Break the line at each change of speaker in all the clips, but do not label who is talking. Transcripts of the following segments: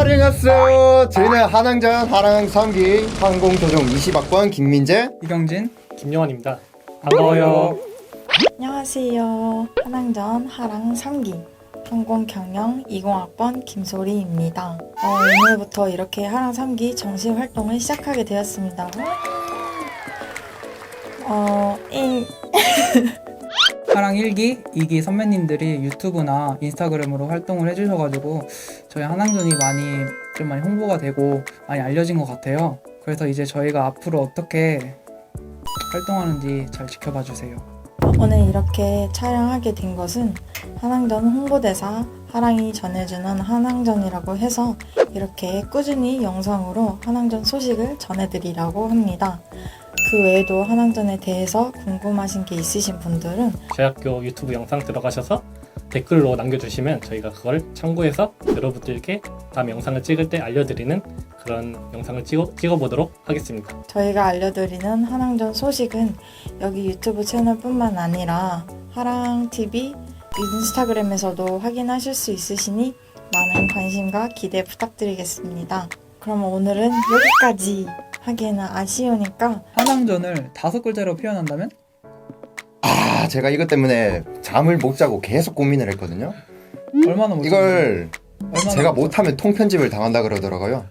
안녕하세요. 저희는 한항전 하랑 3기 항공조종 20학번 김민재,
이경진,
김영환입니다. 반가워요.
안녕하세요. 한항전 하랑 3기 항공경영 20학번 김소리입니다. 오늘부터 이렇게 하랑 3기 정식 활동을 시작하게 되었습니다.
하랑 1기, 2기 선배님들이 유튜브나 인스타그램으로 활동을 해주셔가지고 저희 한항전이 많이 홍보가 되고 많이 알려진 것 같아요. 그래서 이제 저희가 앞으로 어떻게 활동하는지 잘 지켜봐 주세요.
오늘 이렇게 촬영하게 된 것은 한항전 홍보대사 하랑이 전해주는 한항전이라고 해서 이렇게 꾸준히 영상으로 한항전 소식을 전해드리려고 합니다. 그 외에도 한항전에 대해서 궁금하신 게 있으신 분들은
저희 학교 유튜브 영상 들어가셔서 댓글로 남겨주시면 저희가 그걸 참고해서 여러분들께 다음 영상을 찍을 때 알려드리는 그런 영상을 찍어보도록 하겠습니다.
저희가 알려드리는 한항전 소식은 여기 유튜브 채널뿐만 아니라 하랑TV 인스타그램에서도 확인하실 수 있으시니 많은 관심과 기대 부탁드리겠습니다. 그럼 오늘은 여기까지 하기에는 아쉬우니까
한항전을 5글자로 표현한다면?
제가 이것 때문에 잠을 못 자고 계속 고민을 했거든요.
얼마나 못
이걸 제가
못
못하면 통편집을 당한다 그러더라고요.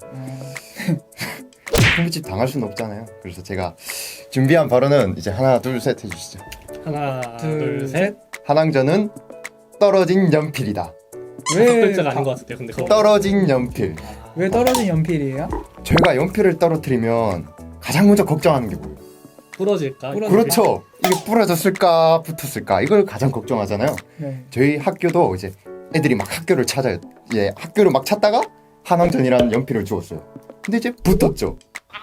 통편집 당할 수는 없잖아요. 그래서 제가 준비한 발언은 이제 하나 둘 셋 해주시죠.
하나,
둘,
둘,
셋.
셋.
한항전은 떨어진 연필이다.
왜
5글자가 아닌 것 같은데 근데 그거
떨어진 연필.
왜 떨어진 연필이에요?
저희가 연필을 떨어뜨리면 가장 먼저 걱정하는 게 뭐예요?
부러질까?
그렇죠. 이게 부러졌을까 붙었을까 이걸 가장 걱정하잖아요.
네.
저희 학교도 이제 애들이 막 학교를 찾아요. 학교를 막 찾다가 한항전이라는 연필을 주었어요. 근데 이제 붙었죠.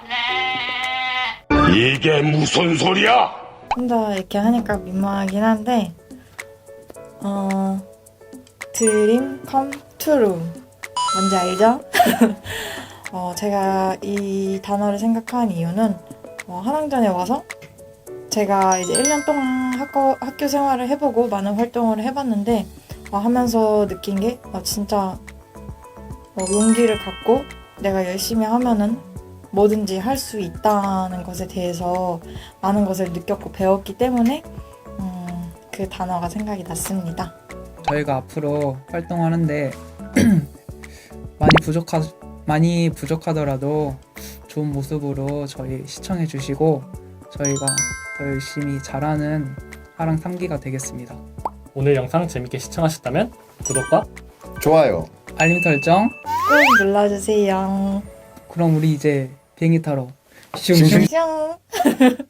이게 무슨 소리야?
혼자 이렇게 하니까 민망하긴 한데 드림 컴 트루 뭔지 알죠? 제가 이 단어를 생각한 이유는 한항전에 와서 제가 이제 1년 동안 학교 생활을 해보고 많은 활동을 해봤는데 하면서 느낀 게 진짜 용기를 갖고 내가 열심히 하면은 뭐든지 할 수 있다는 것에 대해서 많은 것을 느꼈고 배웠기 때문에 그 단어가 생각이 났습니다.
저희가 앞으로 활동하는데 많이 부족하더라도 좋은 모습으로 저희 시청해 주시고 저희가 더 열심히 잘하는 하랑 3기가 되겠습니다.
오늘 영상 재밌게 시청하셨다면 구독과
좋아요.
알림 설정.
꼭 눌러주세요.
그럼 우리 이제 비행기 타러
슝슝.
슝.